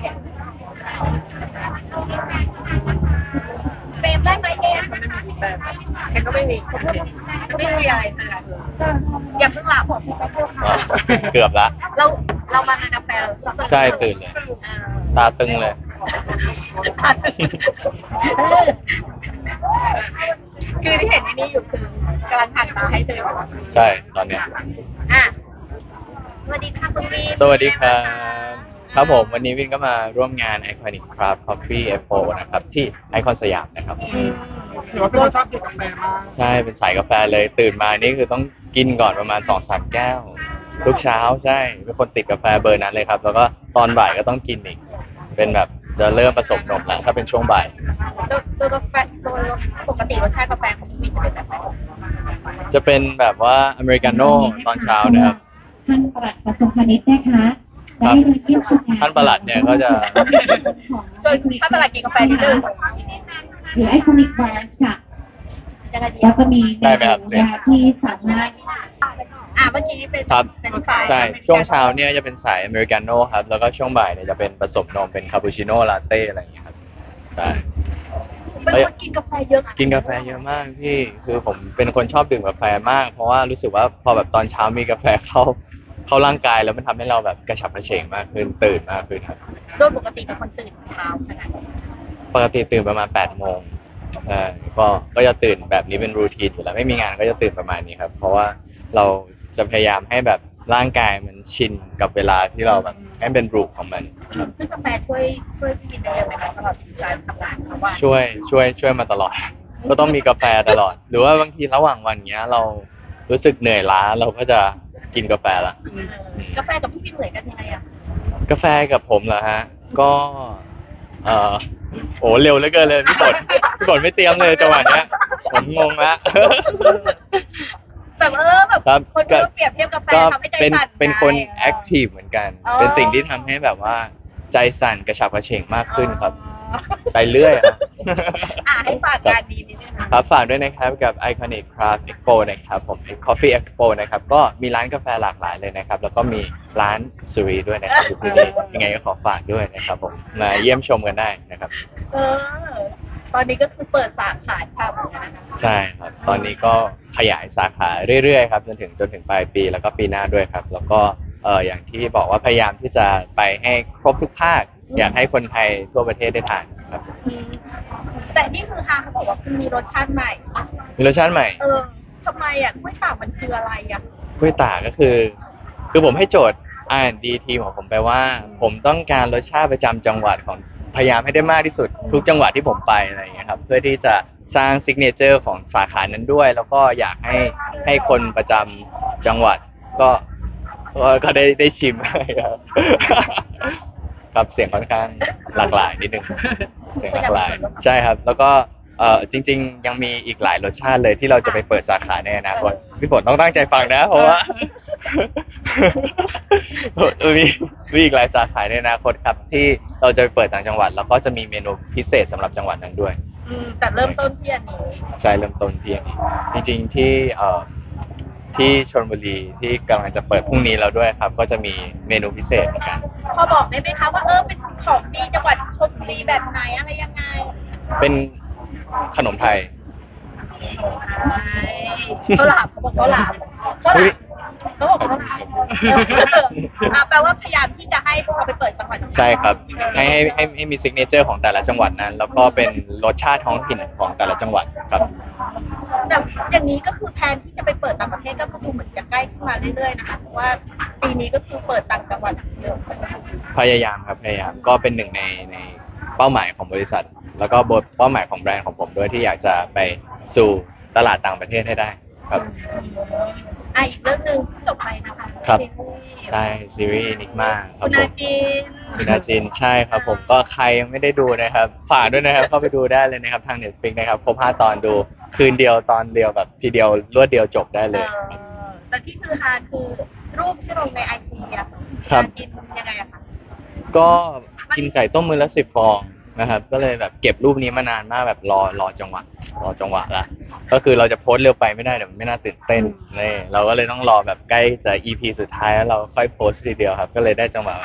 เฟรมได้ไหมเอมแกก็ไม่มีไม่มีอะไรอย่าเพิ่งละผมอ๋อเกือบละเราเรามางานกาแฟเราใช่ตื่นเลยตาตึงเลยคือที่เห็นในนี้อยู่คือกำลังหักตาให้เธอใช่ตอนเนี้ยอ่ะสวัสดีค่ะคุณวีสวัสดีครับครับผมวันนี้วินก็มาร่วมงาน Iconic Craft Coffee Expo นะครับที่ไอคอนสยามนะครับหรือว่าพี่ชอบดื่มกาแฟมากใช่เป็นสายกาแฟเลยตื่นมานี่คือต้องกินก่อนประมาณ 2-3 แก้วทุกเช้าใช่เป็นคนติดกาแฟเบอร์นั้นเลยครับแล้วก็ตอนบ่ายก็ต้องกินอีกเป็นแบบจะเริ่มผสมนมแล้วถ้าเป็นช่วงบ่ายตัวกาแฟตัวปกติรสชาติกาแฟของคุณวีจะเป็นแบบไหนจะเป็นแบบว่าอเมริกาโน่ตอนเช้านะครับท่านปลัดกระทรวงพาณิชย์นะคะได้มาเยี่ยมชมงานท่านปลัดเนี่ยก็จะส่วนถ้าตลาดกินกาแฟนิดนึงหรือไอคอนิกบาร์ค่ะยังไงดีแล้วก็มีเมได้ไหมครับนูยาที่สามารถเมื่อกี้เป็นครับเป็นสายใช่ช่วงเช้าเนี่ยจะเป็นสายอเมริกาโน่ครับแล้วก็ช่วงบ่ายเนี่ยจะเป็นผสมนมเป็นคาปูชิโน่ลาเต้อะไรอย่างเงี้ยครับใช่เป็นคนกินกาแฟเยอะกินกาแฟเยอะมากพี่คือผมเป็นคนชอบดื่มกาแฟมาก เพราะว่ารู้สึกว่าพอแบบตอนเช้ามีกาแฟเข้าร่างกายแล้วมันทำให้เราแบบกระฉับกระเฉงมากขึ้นตื่นมากขึ้นครับโดยปกติเป็นคนตื่นเช้าขนาดไหนปกติตื่นประมาณ8 โมงก็จะตื่นแบบนี้เป็นรูทีนอยู่แล้วไม่มีงานก็จะตื่นประมาณนี้ครับ เพราะว่าเราจะพยายามให้แบบร่างกายมันชินกับเวลาที่เราแบบให้เป็นรูปของมันครับซึ่งกาแฟช่วยพี่วินได้เยอะไหมคะตลอดการทำงานเพราะว่าช่วยมาตลอด ก็ต้องมีกาแฟตลอด หรือว่าบางทีระหว่างวันเนี้ยเรารู้สึกเหนื่อยล้าเราก็จะกินกาแฟละกาแฟกับพี่วินเหมือนกันยังไงอ่ะกาแฟกับผมเหรอฮะก็เออโอ้เร็วเหลือเกินเลยพี่ฝนไม่เตรียมเลยจังหวะเนี้ยผมงงละแบบแบบครับคนก็เปรียบเทียบกาแฟก็ทำให้ใจเป็นสั่นเป็นคนไงแอคทีฟเหมือนกันอ๋อเป็นสิ่งที่ทำให้แบบว่าใจสั่นกระฉับกระเฉงมากขึ้นครับ ไปเรื่อยอะให้ฝากงานดีนิดนึงค่ะครับฝากด้วยนะครับกับ Iconic Craft Expo นะครับผม Coffee Expo นะครับก็มีร้านกาแฟหลากหลายเลยนะครับแล้วก็มีร้านสุรีด้วยนะครับอยู่ที่นี่ยังไงก็ขอฝากด้วยนะครับผมมาเยี่ยมชมกันได้นะครับเออ ตอนนี้ก็คือเปิดสาขาชาบูแล้วนะคะใช่ครับตอนนี้ก็ขยายสาขาเรื่อยๆครับจนถึงปลายปีแล้วก็ปีหน้าด้วยครับแล้วก็อย่างที่บอกว่าพยายามที่จะไปให้ครบทุกภาคอยากให้คนไทยทั่วประเทศได้ทานครับแต่นี่คือฮาเขาบอกว่าคุณมีรสชาติใหม่มีรสชาติใหม่ทำไมอ่ะกล้วยตากมันคืออะไรอ่ะกล้วยตากก็คือผมให้โจทย์ R&D ทีมของผมไปว่า ผมต้องการรสชาติประจำจังหวัดของพยายามให้ได้มากที่สุดทุกจังหวัดที่ผมไปอะไรอย่างเงี้ยครับเพื่อที่จะสร้างซิกเนเจอร์ของสาขานั้นด้วย แล้วก็อยากให้คนประจำจังหวัดก็ได้ชิมครับ ครับเสียงค่อนข้างหลากหลายนิดนึงเสียงหลากหลายใช่ครับ แล้วก็จริงๆยังมีอีกหลายรสชาติเลยที่เราจะไปเปิดสาขาในอนาคตพี่ฝนต้องตั้งใจฟังนะเพราะว่า มีอีกหลายสาขาในอนาคตครับที่เราจะไปเปิดต่างจังหวัดแล้วก็จะมีเมนูพิเศษสำหรับจังหวัดนั้นด้วยแต่เริ่มต้นที่อันนี้ใช่เริ่มต้นที่อันนี้จริงๆที่ชลบุรีที่กำลังจะเปิดพรุ่งนี้แล้วด้วยครับ ก็จะมีเมนูพิเศษเหมือนกันพอบอกได้ไหมคะว่าเป็นของดีจังหวัดชลบุรีแบบไหนอะไรยังไงเป็นขนมไทยเขาหลามเขาบอกเขาหลามเขาบอกเขาหลามแปลว่าพยายามที่จะให้เขาไปเปิดจังหวัดใช่ครับให้มีซิกเนเจอร์ของแต่ละจังหวัดนั้น แล้วก็เป็นรสชาติท้องถิ่นของแต่ละจังหวัดครับแต่อย่างนี้ก็คือแทนที่จะไปเปิดต่างประเทศก็คือเหมือนจะใกล้ขึ้นมาเรื่อยๆนะคะเพราะว่าปีนี้ก็คือเปิดต่างจังหวัดเยอะพยายามครับพยายามก็เป็นหนึ่งในเป้าหมายของบริษัท แล้วก็เป้าหมายของแบรนด์ของผมด้วยที่อยากจะไปสู่ตลาดต่างประเทศให้ได้ครับอีกเรื่องหนึ่งที่จบไปนะคะครับซีรีส์ใช่ซีรีส์นิกมาครัคุบณผอาม จินคุณอาจินใช่ครับผมก็ใครยังไม่ได้ดูนะครับฝากด้วยนะครับเข้าไปดูได้เลยนะครับทาง Netflix นะครับครบ5 ตอนดูคืนเดียวตอนเดียวแบบทีเดียวรวดเดียวจบได้เลยแต่ที่คือฮาคือรูปที่ลงในไอจีอะครับกินยังไงอะคะก็กินไก่ต้มมือละ10 ฟองนะครับก็เลยแบบเก็บรูปนี้มานานมากแบบรอจังหวะละก็คือเราจะโพสต์เร็วไปไม่ได้เดี๋ยวมันไม่น่าตื่นเต้นนี่เราก็เลยต้องรอแบบใกล้จะ EP สุดท้ายแล้วเราค่อยโพสต์ทีเดียวครับก็เลยได้จังหวะ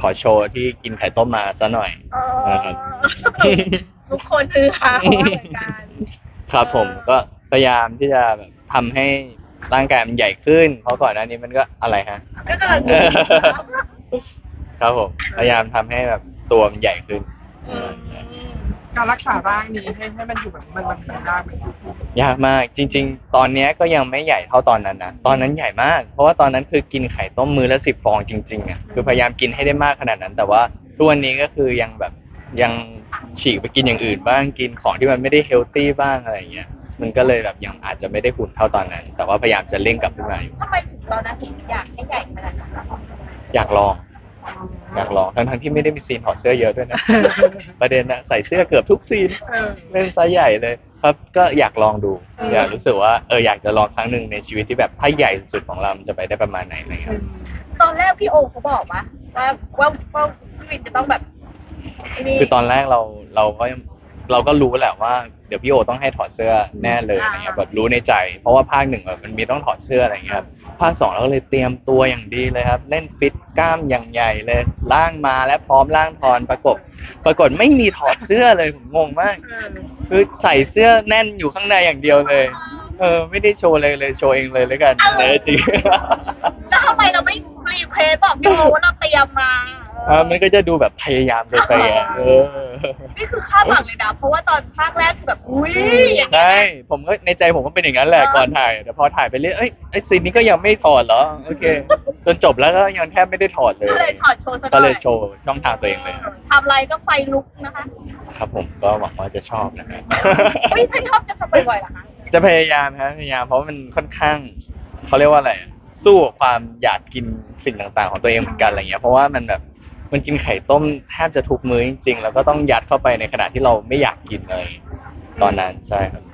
ขอโชว์ที่กินไข่ต้มมาซะหน่อย นะครับทุกคนคือฮาเหมือนกันครับผมก็พยายามที่จะแบบทำให้ร่างกายมันใหญ่ขึ้น เพราะก่อนหน้านี้มันก็อะไรฮะก็กำลังดูครับผมพยายามทำให้แบบตัวมันใหญ่ขึ้นอืมการรักษาร่างนี้ให้มันอยู่แบบมันได้ไหมยากมากจริง ๆ ตอนเนี้ยก็ยังไม่ใหญ่เท่าตอนนั้นนะตอนนั้นใหญ่มาก เพราะว่าตอนนั้นคือกินไข่ต้มมื้อละ10 ฟองจริงๆอ่ะคือพยายามกินให้ได้มากขนาดนั้น แต่ว่าทุกวันนี้ก็คือยังแบบยังฉีกไปกินอย่างอื่นบ้างกินของที่มันไม่ได้เฮลตี้บ้างอะไรอย่างเงี้ยมันก็เลยแบบยังอาจจะไม่ได้หุ่นเท่าตอนนั้น แต่ว่าพยายามจะเร่งกลับขึ้นมาอยู่ทำไมถึงตอนนั้นถึงอยากให้ใหญ่ขนาดนั้นคะอยากลองทั้งที่ไม่ได้มีซีนถอดเสื้อเยอะด้วยนะ ประเด็นนะใส่เสื้อเกือบทุกซีน เล่นไซส์ใหญ่เลยครับก็อยากลองดู อยากรู้สึกว่าอยากจะลองครั้งหนึ่งในชีวิตที่แบบถ้าใหญ่สุดของเรามันจะไปได้ประมาณไหนอะไรเงี้ยตอนแรกพี่โอเขาบอกว่าพี่วินจะต้องแบบไอ้นี่คือตอนแรกเราก็รู้แหละว่าเดี๋ยวพี่โอต้องให้ถอดเสื้อแน่เลยอะไรเงี้ยแบบรู้ในใจ เพราะว่าภาคหนึ่งแบบมันมีต้องถอดเสื้ออะไรเงี้ยครับภาค 2เราก็เลยเตรียมตัวอย่างดีเลยครับเล่นฟิตกล้ามอย่างใหญ่เลยล่างมาและพร้อมล่างทอนปรากฏไม่มีถอดเสื้อเลยผมงงมาก คือใส่เสื้อแน่นอยู่ข้างในอย่างเดียวเลย ไม่ได้โชว์เลยโชว์เองเลยแล้วกันจริงแล้วทำไมเราไม่รีเควสบอกพี่โอว่าเราเตรียมมามันก็จะดูแบบพยายามไปอ่ะนี่คือคาดหวังเลยนะ เพราะว่าตอนภาคแรกคือแบบอุ้ยอย่างเงี้ใช่ยผมก็ในใจผมก็เป็นอย่างนั้นแหละก่อนถ่ายแต่พอถ่ายไปเรื่อยไอ้ซีนนี้ก็ยังไม่ถอดเหรอโอเคจนจบแล้วก็ยังแทบไม่ได้ถอดเลยก็เลยถอดโชว์ซะหก็น่เลอยยโชว์ช่องทางตัวเองเลยทำอะไรก็ไฟลุกนะคะครับผมก็หวังว่าจะชอบนะฮะเฮ้ยถ้าชอบจะทำบ่อยๆเหรอคะจะพยายามครับพยายามเพราะว่ามันค่อนข้างเขาเรียกว่าอะไรอะสู้กับความอยากกินสิ่งต่างๆของตัวเองเหมือนกันอะไรเงี้ยเพราะว่ามันแบบมันกินไข่ต้มแทบจะทุกมื้อจริงๆแล้วก็ต้องยัดเข้าไปในขณะที่เราไม่อยากกินเลยตอนนั้นใช่ครับ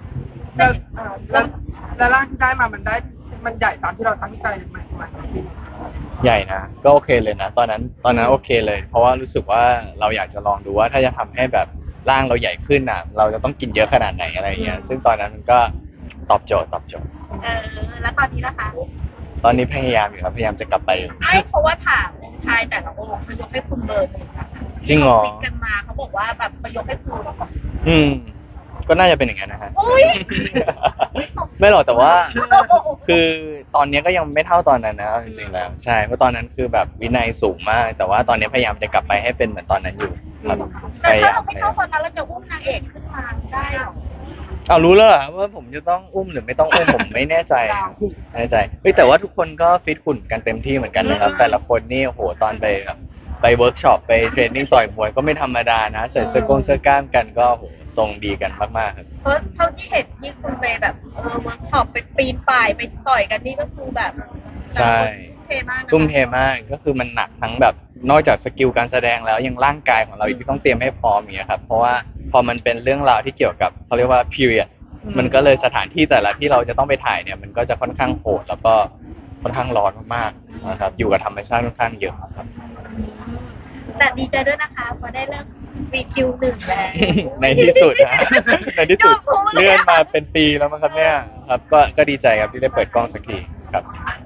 แล้วร่างที่ได้มามันใหญ่ตามที่เราตั้งใจมันจริงใหญ่นะก็โอเคเลยนะตอนนั้นโอเคเลย เพราะว่ารู้สึกว่าเราอยากจะลองดูว่าถ้าจะทำให้แบบร่างเราใหญ่ขึ้นอ่ะ เราจะต้องกินเยอะขนาดไหนอะไรเงี้ยซึ่งตอนนั้นมันก็ตอบโจทย์แล้วตอนนี้นะคะตอนนี้พยายามอยู่ครับพยายามจะกลับไปอยู่ไม่เพราะว่าถามชายแต่ละองค์เขายกให้คุณเบอร์หนึ่งนะคะจริงเหรอที่เขาฟิตกันมาเขาบอกว่าแบบเขายกให้คุณก็น่าจะเป็นอย่างนั้นนะฮะอุ้ยไม่หรอกแต่ว่า คือตอนนี้ก็ยังไม่เท่าตอนนั้นนะเอาจริงๆแล้วใช่เพราะตอนนั้นคือแบบวินัยสูงมาก แต่ว่าตอนนี้พยายามจะกลับไปให้เป็นเหมือนตอนนั้นอยู่ครับพแต่ยาถ้ายาเรามไม่ชอบตอนนั้นเราจะอุ้มนางเอกขึ้นมาได้เหรอเอารู้แล้วเหรอว่าผมจะต้องอุ้มหรือไม่ต้องอุ้ม ผมไม่แน่ใจไม่แน่ใจเฮ้ยแต่ว่าทุกคนก็ฟิตหุ่นกันเต็มที่เหมือนกันนะครับ แต่ละคนนี่โอ้โหตอนไปแบบไปเวิร์กช็อปไปเทรนนิ่งต่อยมวยก็ไม่ธรรมดานะใส่เสื้อกล้ามกันก็โหทรงดีกันมากๆครับเพราะเท่าที่เห็นที่คุณไปแบบเวิร์กช็อปไปปีนป่ายไปต่อยกันนี่ก็คือแบบใช่เทมากนะคะทุ่มเทมากก็คือมันหนักทั้งแบบนอกจากสกิลการแสดงแล้วยังร่างกายของเราอีกที่ต้องเตรียมให้พร้อมอย่างเงี้ยครับเพราะว่าพอมันเป็นเรื่องราวที่เกี่ยวกับเขาเรียกว่า period มันก็เลยสถานที่แต่ละที่เราจะต้องไปถ่ายเนี่ยมันก็จะค่อนข้างโหดแล้วก็ค่อนข้างร้อนมากๆนะครับอยู่กับธรรมชาติค่อนข้างเยอะครับแต่ดีใจด้วยนะคะพอได้เริ่มวีคิวหนึ่งแล้วในที่สุดนะ ในที่สุดเลื่อนมาเป็นปีแล้วมั้งครับเนี่ยครับก็ดีใจครับที่ได้เปิดกล้องสักทีครับ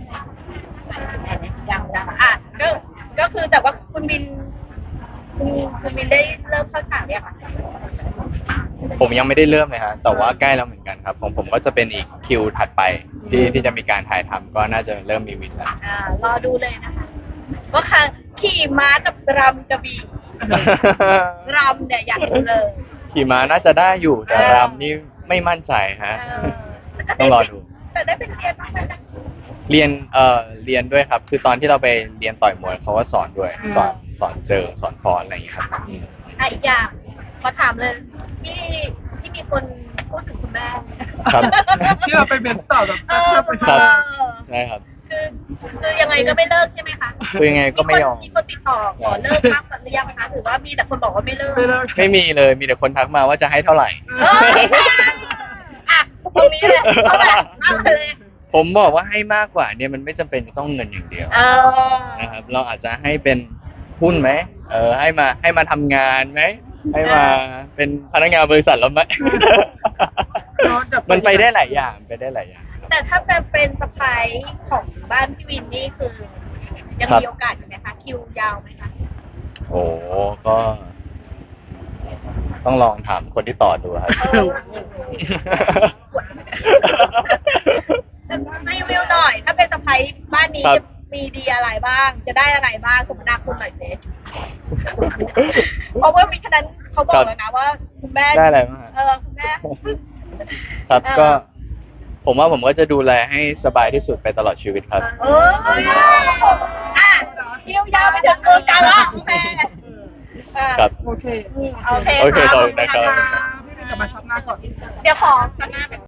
ยังอ่ะก็คือแต่ว่าคุณบินได้เริ่มเข้าฉากเนี่ยค่ะผมยังไม่ได้เริ่มเลยฮะแต่ว่าใกล้แล้วเหมือนกันครับผมก็จะเป็นอีกคิวถัดไปที่จะมีการถ่ายทำก็น่าจะเริ่มมีวินแล้วรอดูเลยนะคะว่าค่ะขี่ม้ากับรำกระบี่รำเนี่ยอยากดูเลยขี่ม้าน่าจะได้อยู่แต่รำนี่ไม่มั่นใจฮะ ต้องรอดูแต่ได้เป็นเรียนบ้างไหมนะเรียนด้วยครับ คือตอนที่เราไปเรียนต่อยมวยเขาก็สอนด้วยสอนเจอสอนพรอะไรอย่างเงี้ยครับอีกอย่างขอถามเลยที่มีคนพูดถึงคุณแม่ครับที่เราไปเบนต่อแบบครับ ใช่ครับคือยังไงก็ไม่เลิกใช่ไหมคะคือยังไงก็ไม่ยอมมีคนติดต่อขอเลิกพักหรือยังคะหรือว่ามีแต่คนบอกว่าไม่เลิกไม่เลิกไม่มีเลยมีแต่คนทักมาว่าจะให้เท่าไหร่เอ้ยอ่ะตรงนี้เลยเอาแบบเอาไปเลยผมบอกว่าให้มากกว่าเนี่ยมันไม่จำเป็นจะต้องเงินอย่างเดียวเออนะครับเราอาจจะให้เป็นหุ้นไหมให้มาทำงานไหมให้มาเป็นพนักงานบริษัทเราไหม มันไปได้หลายอย่างครับแต่ถ้าจะเป็นสไปของบ้านพี่วินนี่คือ ยังครับมีโอกาสอยู่ไหมคะคิวยาวไหมคะโอ้ก็ ต้องลองถามคนที่ต่อดูครับรีวิวหน่อย ถ้าเป็นสะพ้ายบ้านนี้ครับจะมีดีอะไรบ้าง จะได้อะไรบ้างสมนาคุณหน่อยสิเพราะว่ามีฉะนั้นเขาบอกแล้วนะว่าคุณแม่ได้อะไรบ้างฮะคุณแม่ครับเออก็ ผมว่าผมก็จะดูแลให้สบายที่สุดไปตลอดชีวิตครับอ่ะคิวยาวไปถึงเมืองกาญละโอเคอ่ะครับโอเคโอเคโอเคค่ะขอบคุณนะครับพี่เป็นกลับมาช็อปหน้าก่อนเดี๋ยวขอ